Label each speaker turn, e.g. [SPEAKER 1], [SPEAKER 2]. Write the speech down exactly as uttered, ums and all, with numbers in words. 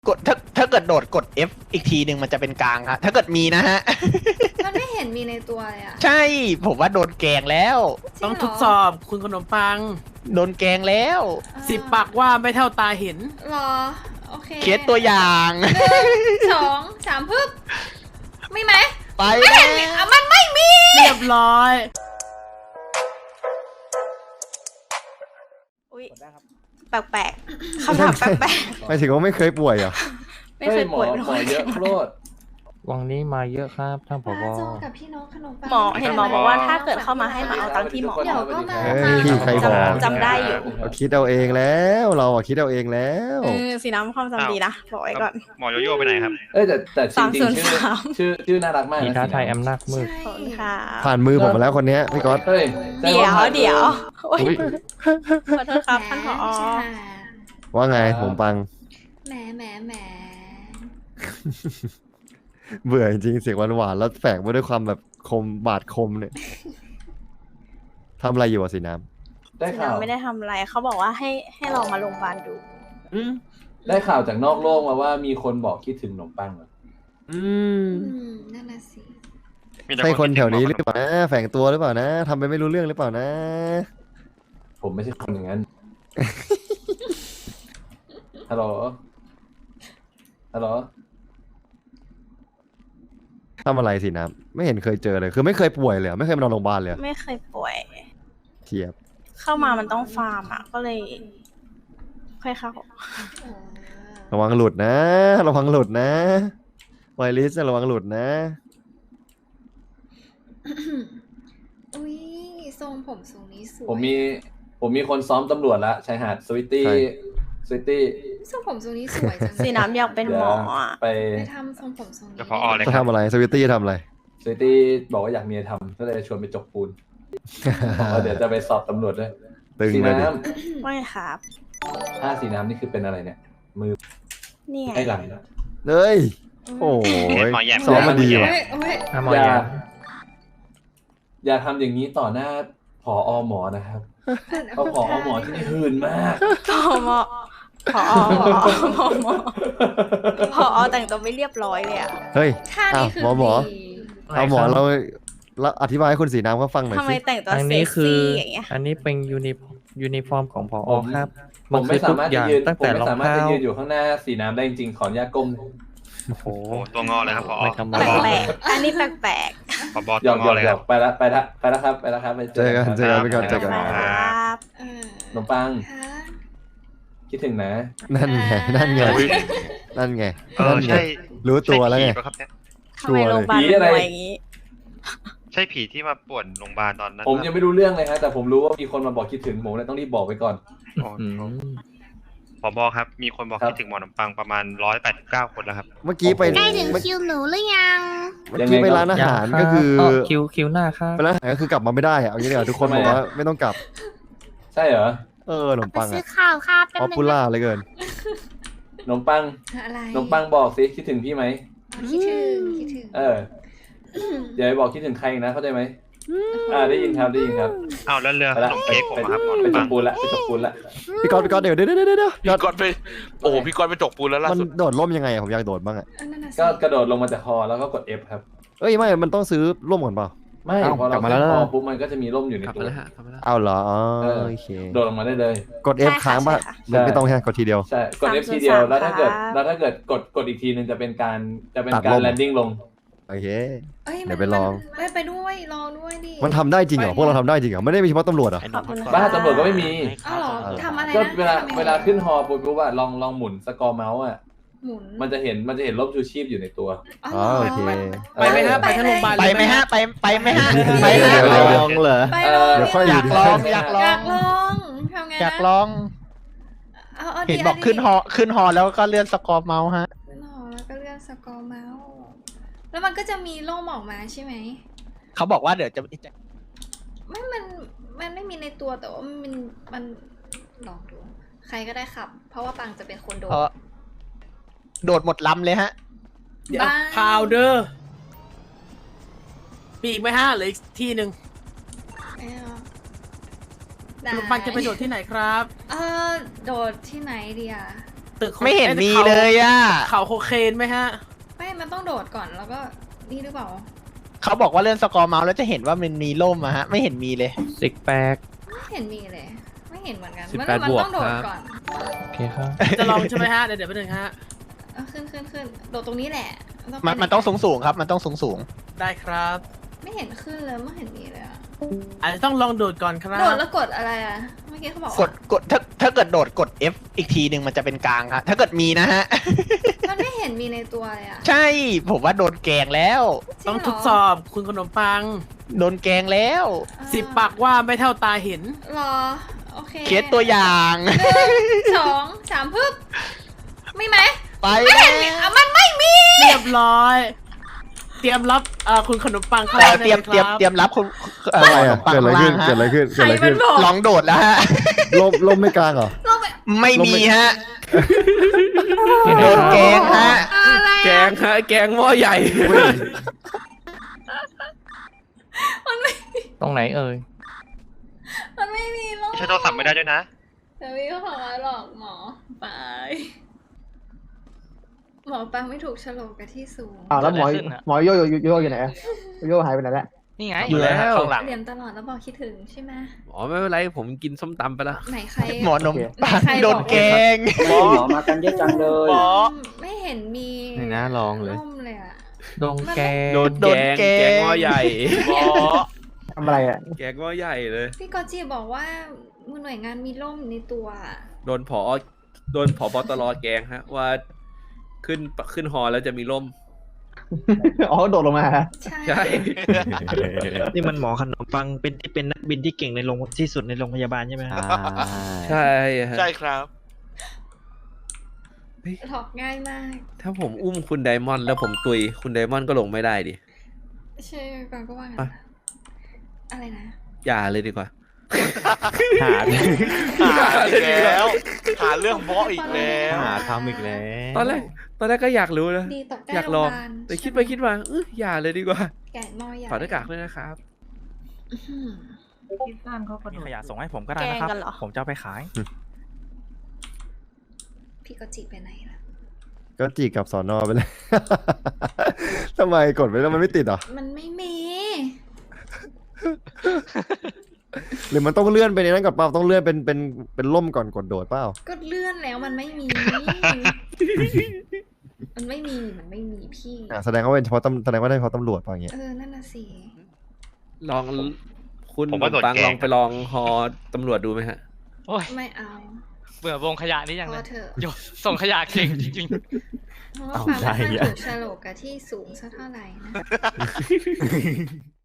[SPEAKER 1] กดถ้าถ้าเกิดโดดกด F อีกทีหนึ่งมันจะเป็นกลางครับถ้าเกิดมีนะฮะ
[SPEAKER 2] มันไม่เห็นมีในตัวเลยอ่ะ
[SPEAKER 1] ใช่ผมว่าโดนแกงแล้ว
[SPEAKER 2] จริ
[SPEAKER 3] ต้อง
[SPEAKER 2] เหร
[SPEAKER 3] ทดสอบคุณขนมปัง
[SPEAKER 1] โดนแกงแล้ว
[SPEAKER 2] เออ
[SPEAKER 3] สิบปากว่าไม่เท่าตาเห็น
[SPEAKER 2] หรอ โอเค
[SPEAKER 1] เคสตัวอย่าง
[SPEAKER 2] หนึ่งสองสามพึบมีไหม
[SPEAKER 1] ไป
[SPEAKER 2] ไม่
[SPEAKER 1] แล้
[SPEAKER 2] เห็นมีอ่ะมันไม่มี
[SPEAKER 3] เรียบร้อย
[SPEAKER 4] อุ้ยแปลกๆคำถามแปลก
[SPEAKER 5] หมายถึงว่าไม่เคยป่วยเหรอ
[SPEAKER 4] ๆไม่เคยป่วยเป็น
[SPEAKER 6] ห
[SPEAKER 4] ค
[SPEAKER 6] มอน เยอะโคตร
[SPEAKER 7] วังนี้มาเยอะครับท่านผ
[SPEAKER 2] ป้า
[SPEAKER 7] บ
[SPEAKER 2] โจกับพี่น้องขนมปัง
[SPEAKER 4] หมอเห็นหมอบอกว่าถ้าเกิดเข้ามาให้มาเอาตังค์ที่หมอ
[SPEAKER 2] เดี๋ยวก็มา
[SPEAKER 5] เฮ้ยพี่ใครบอก
[SPEAKER 4] จำได้อยู่
[SPEAKER 5] เราคิดเอาเองแล้วเราอะคิดเอาเองแล้ว
[SPEAKER 4] เออสีน้ำความจำดีนะบอกไว้ก่อน
[SPEAKER 6] หมอโยโย่ไปไหนครับ
[SPEAKER 8] เอ้ยแต่แต่จริงๆชื่อ
[SPEAKER 4] สามศูนย์สาม
[SPEAKER 8] ชื่อชื่อน่ารักมาก
[SPEAKER 7] มี
[SPEAKER 8] นะ
[SPEAKER 7] ท้าทายอำนาจมืด
[SPEAKER 2] ใช่
[SPEAKER 4] ขอบคุณค่ะ
[SPEAKER 5] ผ่านมือผมมาแล้วคนเนี้ยพี่ก๊อต
[SPEAKER 8] เฮ้ย
[SPEAKER 4] เดี๋ยวเดี๋ยวโอ้ย
[SPEAKER 7] อุ๊ย
[SPEAKER 4] ขอโทษครับท่านผอ
[SPEAKER 2] ใช่ค่ะ
[SPEAKER 5] ว่าไงผมปัง
[SPEAKER 2] แหมแหมแหม
[SPEAKER 5] เบื่อจริงๆเสียงหวานๆแล้วแฝงมาด้วยความแบบคมบาดคมเนี่ยทำอะไรอยู่อะสีน้
[SPEAKER 8] ได้
[SPEAKER 4] สี
[SPEAKER 8] ข่าว
[SPEAKER 4] น้ำไม่ได้ทำอะไรเขาบอกว่าให้ให้ลองมาโรงพยาบาลดู
[SPEAKER 8] ได้ข่าวจากนอกโลกมาว่ามีคนบอกคิดถึงขนมปังเหรอ
[SPEAKER 5] ำอืม
[SPEAKER 2] อืมนั่นน่ะสิ
[SPEAKER 6] มีแต่
[SPEAKER 5] ใช่คน
[SPEAKER 6] ด
[SPEAKER 5] แถ
[SPEAKER 6] ถึง
[SPEAKER 5] วนี้
[SPEAKER 6] ห
[SPEAKER 5] ห
[SPEAKER 6] ม
[SPEAKER 5] รือ อเปล่านะแฝงตัวหรือเปล่านะทำไปไม่รู้เรื่องหรือเปล่านะ
[SPEAKER 8] ผมไม่ใช่คนอย่างนั้น ฮัลโหล ฮัลโหล
[SPEAKER 5] ทำอะไรสีน้ำไม่เห็นเคยเจอเลย คือไม่เคยป่วยเลยเหรอไม่เคยมานอนโรงพยาบาลเลยเหรอ
[SPEAKER 4] ไม่เคยป่วย
[SPEAKER 5] เทียบ
[SPEAKER 4] เข้ามามันต้องฟาร์มอ่ะ ก็เลย ค่อยเข้า
[SPEAKER 2] เออ
[SPEAKER 5] ระวังหลุดนะ ระวังหลุดนะไวรัสระวังหลุดนะ
[SPEAKER 2] อุ้ยทรงผมทรงนี้สวย
[SPEAKER 8] ผมมี ผมมีคนซ้อมตำรวจละชายหาดสวิตตี้
[SPEAKER 5] ใคร
[SPEAKER 8] สวิตตี้
[SPEAKER 2] ทรงผมทรงนี้สวยจัง
[SPEAKER 4] สีน้ำอยากเป็นหมออ่ะ
[SPEAKER 8] ไป
[SPEAKER 2] ไปทำทรงผมทรงนี้
[SPEAKER 6] เดี๋ยวพอเลย
[SPEAKER 5] จะ
[SPEAKER 6] ครับ
[SPEAKER 5] ทำอะไรสวิตตี้จะทำอะไร
[SPEAKER 8] สวิตตี้บอกว่าอยากมีอะไรทำก็เลยชวนไปจกปูนบอกว่าเดี๋ยวจะไปสอบตำรวจด้วย
[SPEAKER 5] ตึง
[SPEAKER 8] สี
[SPEAKER 5] เลยดิ
[SPEAKER 8] น้
[SPEAKER 4] ไม่ครับ
[SPEAKER 8] ำถ้าสีน้ำนี่คือเป็นอะไรเนี่ย มือ
[SPEAKER 4] นี่ไง
[SPEAKER 8] ไอ้หลัง
[SPEAKER 5] เฮ้ยโอ้ย
[SPEAKER 6] หมอแยม
[SPEAKER 5] ซ้อมมาดีว่ะ
[SPEAKER 2] เฮ้ยเฮ้ย
[SPEAKER 7] ถ้ามอ
[SPEAKER 8] อย่า
[SPEAKER 7] ยา
[SPEAKER 8] อย่าทำอย่างนี้ต่อหน้าผอหมอนะครับเพราะผอหมอที่นี่หื่นมาก
[SPEAKER 4] พอหมอพอพอหมอพอแต่งตัวไม่เรียบร้อยเลยอ่ะ
[SPEAKER 5] เฮ้ย
[SPEAKER 2] ท่านี้คือ
[SPEAKER 5] หมอหมอ
[SPEAKER 2] ดี
[SPEAKER 5] เอาหมอเราเราอธิบายให้คุณสีน้ำเขาฟังหน่อย
[SPEAKER 4] ทำไม
[SPEAKER 5] สิ
[SPEAKER 4] แต่งตัว
[SPEAKER 7] อัน
[SPEAKER 4] เซ็
[SPEAKER 7] นี้
[SPEAKER 4] ก
[SPEAKER 7] คือ
[SPEAKER 4] ซี่อย่างเงี้ย
[SPEAKER 7] อันนี้เป็นยูนิยูนิฟอร์มของพอ
[SPEAKER 8] ผม
[SPEAKER 7] ครับ
[SPEAKER 8] ผ
[SPEAKER 7] มัน
[SPEAKER 8] ม
[SPEAKER 7] คื
[SPEAKER 8] ไม่
[SPEAKER 7] อ
[SPEAKER 8] สา
[SPEAKER 7] ทุก
[SPEAKER 8] มารถ
[SPEAKER 7] อ
[SPEAKER 8] จะ
[SPEAKER 7] ย่าง
[SPEAKER 8] ยืน
[SPEAKER 7] ตั้ง
[SPEAKER 8] ผม
[SPEAKER 7] แต่
[SPEAKER 8] ไม่
[SPEAKER 7] รอง
[SPEAKER 8] สามารถ
[SPEAKER 7] เท้า
[SPEAKER 8] จะยืนอยู่ข้างหน้าสีน้ำได้จริงๆขออนุญาตก้ม
[SPEAKER 7] โอ้โห
[SPEAKER 6] โอ้ตัวงอเลยครับพอ
[SPEAKER 7] ไม่ธรรม
[SPEAKER 4] แป
[SPEAKER 7] ดา
[SPEAKER 4] ลกๆอันนี้แปลก
[SPEAKER 6] พอบอ
[SPEAKER 8] หย
[SPEAKER 6] ตั
[SPEAKER 8] อ
[SPEAKER 6] ว
[SPEAKER 8] ก
[SPEAKER 6] ง
[SPEAKER 8] หย
[SPEAKER 6] อ
[SPEAKER 8] อก
[SPEAKER 6] เลย
[SPEAKER 8] หย
[SPEAKER 6] ค
[SPEAKER 8] อ
[SPEAKER 6] รับ
[SPEAKER 8] กไปละไปละไปละครับไปละครับไป
[SPEAKER 5] เจอกันเจอกันไปก่อน
[SPEAKER 4] ๆ
[SPEAKER 5] เจอกัน
[SPEAKER 4] ครับ
[SPEAKER 2] เออ
[SPEAKER 8] ขนมปัง
[SPEAKER 2] ฮะ
[SPEAKER 8] คิดถึงนะ
[SPEAKER 5] นั่นไงนั่นไงนั่นไง
[SPEAKER 6] เออ
[SPEAKER 5] นั่นไง
[SPEAKER 6] ใช่
[SPEAKER 5] รู้ตัวแล้วไง
[SPEAKER 6] ใช่ผีปะครับเนี่ย
[SPEAKER 4] ทำไมโรงพยาบาล
[SPEAKER 8] ผี
[SPEAKER 4] เป็น
[SPEAKER 8] อะไร
[SPEAKER 4] รวยอย่างนี้
[SPEAKER 6] ใช่ผีที่มาป่วนโรงพยาบาลตอนนั้น
[SPEAKER 8] ผม
[SPEAKER 6] ปะ
[SPEAKER 8] ยังไม่รู้เรื่องเลยฮะแต่ผมรู้ว่ามีคนมาบอกคิดถึงผมเลยต้องรีบบอกไปก่อน
[SPEAKER 6] อ๋อ
[SPEAKER 7] อืม
[SPEAKER 6] ผอบอครับ มีคนบอก
[SPEAKER 8] ครับ
[SPEAKER 6] คิดถึงหมอขนมปังประมาณร้อยแปดสิบเก้าคนแล้วครับ
[SPEAKER 5] เมื่อกี้ไป
[SPEAKER 8] ใกล้ถึง
[SPEAKER 5] เมื่อ
[SPEAKER 4] คิวหนูหรือยัง
[SPEAKER 5] เมื่อกี้ไปร้านอาหาร
[SPEAKER 7] ยังรับ
[SPEAKER 5] ก็คือ
[SPEAKER 7] เคิวคิวหน้าครับ
[SPEAKER 5] ไปร้านอาหารก็คือกลับมาไม่ได้อะเอางี้เดี๋ยวาทุกคนบอกว่าไม่ต้องกลับ
[SPEAKER 8] ใช่เหรอ
[SPEAKER 5] เออขนมปัง
[SPEAKER 4] ซื้อ
[SPEAKER 5] อะ
[SPEAKER 4] ข้าวครับ
[SPEAKER 5] ป๊อปปูล่าเหลยเกิน
[SPEAKER 8] ขนมปัง
[SPEAKER 2] อะไร
[SPEAKER 8] ขนมปังบอกสิคิดถึงพี่ไหม
[SPEAKER 2] คิดถึงคิดถึง
[SPEAKER 8] เอออย่าไปบอกคิดถึงใครอีกนะเข้าใจไหมอ่าได้ยินครับได้ยินครับ
[SPEAKER 6] อ้าวแล้วเรือ
[SPEAKER 8] ไป
[SPEAKER 6] ข
[SPEAKER 8] ละ
[SPEAKER 6] นมเค้กผมอะครับหมอข
[SPEAKER 8] ไป
[SPEAKER 6] นม
[SPEAKER 8] จ
[SPEAKER 6] ปั
[SPEAKER 8] ก
[SPEAKER 6] ง
[SPEAKER 8] ปูนละไปจกปูนละ
[SPEAKER 5] พี่ก๊อตพี่ก๊อตเดี๋ยวเดี๋ยวเดี๋ยวเดี๋ยวเดี๋ยว
[SPEAKER 9] พี่กอนไปโอ้โหพี่กอนไปจกปูนแล้วล่า
[SPEAKER 5] มัน
[SPEAKER 9] สุด
[SPEAKER 5] โดดร่มยังไงอะผมอยากโดดบ้างอะ
[SPEAKER 2] เออนั่นน่ะสิ
[SPEAKER 8] ก็กระโดดลงมาจากคอแล้วก็กด F ครับ
[SPEAKER 5] เอ้ยไม่มันต้องซื้อร่มก่อนเปล่า
[SPEAKER 8] ไม่
[SPEAKER 5] เอ้า
[SPEAKER 8] พอเรา
[SPEAKER 5] กลับมา
[SPEAKER 8] ขึ้น
[SPEAKER 5] แล้ว
[SPEAKER 8] คอปุ๊บมันก็จะมีร่มอยู่ในตัว
[SPEAKER 5] เอาเหรออ๋อ
[SPEAKER 8] เออ
[SPEAKER 5] โอเค
[SPEAKER 8] โดดลงมาได้เลย
[SPEAKER 5] กด F ค้างป่ะ
[SPEAKER 8] ใช่
[SPEAKER 5] ไม่ต้องแค่กดทีเดียว
[SPEAKER 8] ใช่กด F ทีเดียวแล้วถ้าเกิดแล้วถ้าเกิดกดกดอีกทีนึงจะเป็นการจะเป็น
[SPEAKER 5] ตัด
[SPEAKER 8] การ
[SPEAKER 5] ร่ม
[SPEAKER 8] แลนดิ้งลง
[SPEAKER 5] โอเค
[SPEAKER 2] เอ้ย
[SPEAKER 5] เดี๋
[SPEAKER 2] มัน
[SPEAKER 5] ยวไปลอง
[SPEAKER 2] มันไปด้วยลองด้วยดิ
[SPEAKER 5] มันทำได้จริงเหรอพวกเราทำได้จริงเหรอไม่ได้มีเฉพาะตำรวจเหรอ
[SPEAKER 4] ขอบคุณค่ะ
[SPEAKER 8] บ้าตำรวจก็ไม่มี
[SPEAKER 2] อ้าวเหรอทำอะไรนะ
[SPEAKER 8] ก็เวลา
[SPEAKER 2] ทำยังไง
[SPEAKER 8] เวลาขึ้นฮอปุ๊บปุ๊บอะลองลองหมุนสกอร์เมาส์อะ
[SPEAKER 2] หมุน
[SPEAKER 8] มันจะเห็นมันจะเห็นร่มชูชีพอยู่ในตัว
[SPEAKER 2] อ๋อ
[SPEAKER 5] อ๋อโอเค
[SPEAKER 3] ไปไหมครับไปทั้งโรงพยาบาล
[SPEAKER 1] ไป
[SPEAKER 3] เลย
[SPEAKER 1] ไหมฮะไปไปไหมฮะไป
[SPEAKER 5] เดี๋ยว
[SPEAKER 1] ฮะ
[SPEAKER 5] เดี๋ยว
[SPEAKER 1] ลองเหรอ
[SPEAKER 2] ไป
[SPEAKER 8] เอ
[SPEAKER 2] เล
[SPEAKER 8] อ
[SPEAKER 2] ย
[SPEAKER 5] เดี๋ยวค่อย
[SPEAKER 1] อยากลองอยากล
[SPEAKER 2] อ
[SPEAKER 1] อง
[SPEAKER 2] ยากลองทำไงนะ
[SPEAKER 1] อยากลอง
[SPEAKER 2] เอาเอา
[SPEAKER 1] เห็น
[SPEAKER 2] ดี
[SPEAKER 1] บอก
[SPEAKER 2] ดี
[SPEAKER 1] ขึ้นฮอขึ้นฮอแล้วก็เลื่อนสกอร์เมาส์ฮะ
[SPEAKER 2] ขึ้นหอแล้วก็เลื่อนสกอร์เมาส์แล้วมันก็จะมีร่มออกมาใช่ไหม
[SPEAKER 1] เขาบอกว่าเดี๋ยวจะ
[SPEAKER 2] ไม่มันมันไม่มีในตัวแต่ว่ามันมันลองดู ใครก็ได้ขับ เพราะว่าปังจะเป็นคนโดน
[SPEAKER 1] เออโดดหมดลำเลยฮะ
[SPEAKER 3] เดี๋ยว
[SPEAKER 2] บ้า
[SPEAKER 3] พาวเดอร์มีอีกไหมฮะเหลืออีกที่หนึ่ง
[SPEAKER 2] ไม่เอา
[SPEAKER 3] ขนมปังจะไปโดดที่ไหนครับ
[SPEAKER 2] เออโดดที่ไหนดีอ่ะ
[SPEAKER 3] ตึก
[SPEAKER 1] ไม่เห็น
[SPEAKER 3] อ้
[SPEAKER 1] มี
[SPEAKER 3] ขา
[SPEAKER 1] เลยอ่ะ
[SPEAKER 3] เขาโคเคนไหมฮะ
[SPEAKER 2] ไม่มันต้องโดดก่อนแล้วก็นี่หรือเปล่า
[SPEAKER 1] เขาบอกว่าเลื่อนสกอร์เมาส์แล้วจะเห็นว่ามันมีล่มอะฮะ ไม่เห็นมีเลย
[SPEAKER 7] ซิกแปก
[SPEAKER 2] ไม่เห็นมีเลย ไม่เห็นเหมือนกัน
[SPEAKER 7] สิบ
[SPEAKER 2] มัน
[SPEAKER 7] แปด
[SPEAKER 2] มัน
[SPEAKER 7] บวก
[SPEAKER 2] ต้องโดด
[SPEAKER 7] ครับ
[SPEAKER 2] ก่อน
[SPEAKER 7] โอเคครับ
[SPEAKER 3] จะลองใช่ไหมฮะ เดี๋ยวเดี๋ยวไปหนึ่งฮะ
[SPEAKER 2] เอาขึ้นขึ้นขึ้นโดดตรงนี้แหละ
[SPEAKER 1] มันมันต้องสูงสูงๆครับ มันต้องสูงสูง
[SPEAKER 3] ได้ครับ
[SPEAKER 2] ไม่เห็นขึ้นเลยไม่เห็นมีเลยอะ
[SPEAKER 3] อาจจะต้องลองโดดก่อนครับ
[SPEAKER 2] โดดแล้วกดอะไรอะเมื่อกี้เขาบอก
[SPEAKER 1] ๆกดกดถ้าถ้าเกิดโดดกด F อีกทีหนึ่งมันจะเป็นกลางครับถ้าเกิดมีนะฮะ
[SPEAKER 2] มันไม่เห็นมีในตัวเลยอะ
[SPEAKER 1] ใช่ ผมว่าโดนแกงแล้ว
[SPEAKER 2] จริ
[SPEAKER 3] ต้อง
[SPEAKER 2] เหร
[SPEAKER 3] ทดสอบคุณขนมปัง
[SPEAKER 1] โดนแกงแล้ว
[SPEAKER 2] อ่
[SPEAKER 3] สิบปากว่าไม่เท่าตาเห็น
[SPEAKER 2] รอโอเค
[SPEAKER 1] เคสตัวอย่าง
[SPEAKER 2] หนึ่งสองสามพึบมีไหม
[SPEAKER 1] ไป
[SPEAKER 2] ไม่เห็นมีอ่ะมันไม่มี
[SPEAKER 3] เรียบร้อย เตรียมรับเอ่อคุณขนมปังเข้า
[SPEAKER 1] เอ่อ
[SPEAKER 3] ได้
[SPEAKER 1] เตรียม
[SPEAKER 3] ล
[SPEAKER 1] เตรียม
[SPEAKER 3] คบ
[SPEAKER 1] เตรียมรับคุณเอ่อ
[SPEAKER 5] อะไรอ่ะ
[SPEAKER 1] ปัง
[SPEAKER 5] เกิดอะไรขึ้น
[SPEAKER 1] ล่าง
[SPEAKER 5] เกิดอะไร
[SPEAKER 1] ฮะ
[SPEAKER 5] ขึ้น
[SPEAKER 2] ใค
[SPEAKER 5] เกิ
[SPEAKER 2] ร
[SPEAKER 5] ดอะไร
[SPEAKER 2] มั
[SPEAKER 5] ขึ้
[SPEAKER 2] น
[SPEAKER 5] น
[SPEAKER 2] บอก
[SPEAKER 1] ลองโดดแล้วฮะ
[SPEAKER 5] ล่มล่มไม่กลางเหรอ
[SPEAKER 2] ลงไป
[SPEAKER 1] ไม่มีฮะ
[SPEAKER 7] ที่ไหน
[SPEAKER 1] โดน
[SPEAKER 7] ครับ
[SPEAKER 1] แกงฮะ
[SPEAKER 2] อะไร
[SPEAKER 3] แก
[SPEAKER 2] อะ
[SPEAKER 3] งฮะ แกงหม้อใหญ่
[SPEAKER 2] มันไม่
[SPEAKER 7] ตรงไหนเอ่ย
[SPEAKER 2] มันไม่มีหรอก
[SPEAKER 6] ใช้โทรศัพท์ไม่ได้ด้วยนะ
[SPEAKER 2] แต่พี่ก็บอกว่าหลอกหมอไปหมอปังไม่ถูกโฉลกกับที่สูง
[SPEAKER 10] อ้าวแล้วหมอหมอโยโยโยโยอยู่ไหนอะโยหายไปไหนแล้ว
[SPEAKER 11] นี่ไง
[SPEAKER 1] อยู่แล้ว
[SPEAKER 11] ข้างหลัง
[SPEAKER 2] เรียนตลอดแล้วบอกคิดถึงใช่ไหม
[SPEAKER 11] อ๋อไม่เป็นไรผมกินส้มตำไปแล้ว
[SPEAKER 2] ไหนใคร
[SPEAKER 1] หมอนม
[SPEAKER 10] โอเค
[SPEAKER 1] ปัง
[SPEAKER 2] ใครบอก
[SPEAKER 1] โดนแกง
[SPEAKER 10] หมอมากันเยอะจังเลย
[SPEAKER 1] หมอ
[SPEAKER 2] ไม่เห็นมี
[SPEAKER 11] นี่นะลองเลย
[SPEAKER 2] ร่มเลยอะ
[SPEAKER 7] โดนแกง
[SPEAKER 11] โดน
[SPEAKER 1] โด
[SPEAKER 11] แก
[SPEAKER 1] น
[SPEAKER 11] ง
[SPEAKER 1] แกง
[SPEAKER 11] แกงหม้อใหญ่
[SPEAKER 6] หมอ
[SPEAKER 10] ทำอะไรอ่ะ
[SPEAKER 11] แกงหม้อใหญ่เลย
[SPEAKER 2] พี่กอจีบอกว่าหน่วยงานมีร่มในตัวอะ
[SPEAKER 11] โดนผอโดนผอบตรแกงฮะ ว่าขึ้นขึ้นฮอแล้วจะมีร่ม
[SPEAKER 10] อ๋อโดดลงมาฮะ
[SPEAKER 2] ใช่
[SPEAKER 11] ใช่
[SPEAKER 7] นี่มันหมอขนมปังเป็นที่เป็นนักบินที่เก่งในโรงที่สุดในโรงพยาบาลใช่ไหมครับ
[SPEAKER 11] ใช่ฮะ
[SPEAKER 9] ใช่ครับ
[SPEAKER 2] หลอกง่ายมาก
[SPEAKER 11] ถ้าผมอุ้มคุณไดมอนด์แล้วผมตุยคุณไดมอนด์ก็ลงไม่ได้ดิ
[SPEAKER 2] ใช่ก่อนก็ว่างั้น
[SPEAKER 11] อ่ะ
[SPEAKER 2] นะอะไรนะ
[SPEAKER 11] อย่าเลยดีกว่า
[SPEAKER 7] หา
[SPEAKER 9] หาอีกแล้ว หาเรื่องบอสอีกแล้ว
[SPEAKER 7] หาทำอีกแล้ว
[SPEAKER 11] ตอนแรกตอนแรกก็อยากรู้นะ
[SPEAKER 2] ดีตกใกล้
[SPEAKER 11] อยาก
[SPEAKER 2] โร
[SPEAKER 11] ล
[SPEAKER 2] ง
[SPEAKER 11] อ
[SPEAKER 2] พ
[SPEAKER 11] ง
[SPEAKER 2] ยาบาล
[SPEAKER 11] แต่คิดไปคิดมาเอออย่าเลยดีกว่า
[SPEAKER 2] แกะมอใหญ่
[SPEAKER 11] ถอดหน้ากากด้วยนะครับ
[SPEAKER 2] อื้อหือ
[SPEAKER 7] มีขยะส่งให้ผมก็ได้
[SPEAKER 4] แก
[SPEAKER 7] นะ
[SPEAKER 4] ง
[SPEAKER 7] ครับ
[SPEAKER 4] กันเหรอ
[SPEAKER 7] ผมจะเอาไปขาย
[SPEAKER 2] พี่กอจีไปไหนล่ะ
[SPEAKER 5] ก็จีกลับสอนอไปเลย ทำไมกดไปแล้วมันไม่ติดเหรอ
[SPEAKER 2] มันไม่มี
[SPEAKER 5] หรือมันต้องเลื่อนไปในนั้นก่อนเปล่าต้องเลื่อนเป็นเป็นเป็นล่มก่อนกดโดดเปล่า
[SPEAKER 2] ก็เลื่อนแล้วมันไม่มี มันไม่มีมันไม่มีพี่
[SPEAKER 5] อ่ะแสดงว่าเป็นเฉพาะตำแสดงว่าได้เฉพาะตำรวจเปล่าอย่างเงี้ย
[SPEAKER 2] เออนั่นน่ะสิ
[SPEAKER 11] ลองคุณ
[SPEAKER 6] ผมว่าโดน
[SPEAKER 11] ปัง
[SPEAKER 6] แกล้ง
[SPEAKER 11] ลองไปลองฮอตำรวจดูไหมฮะโอ้ย
[SPEAKER 2] ไม่เอา
[SPEAKER 11] เบื่อวงขยะนี้ยัง
[SPEAKER 2] พ
[SPEAKER 11] เล
[SPEAKER 2] อย เถอะ
[SPEAKER 11] โยส่งขยะเก่งจริง
[SPEAKER 2] เพราะว่าความไม่ค่อยถูกโฉลกกับที่สูงสักเท่าไหร่นะ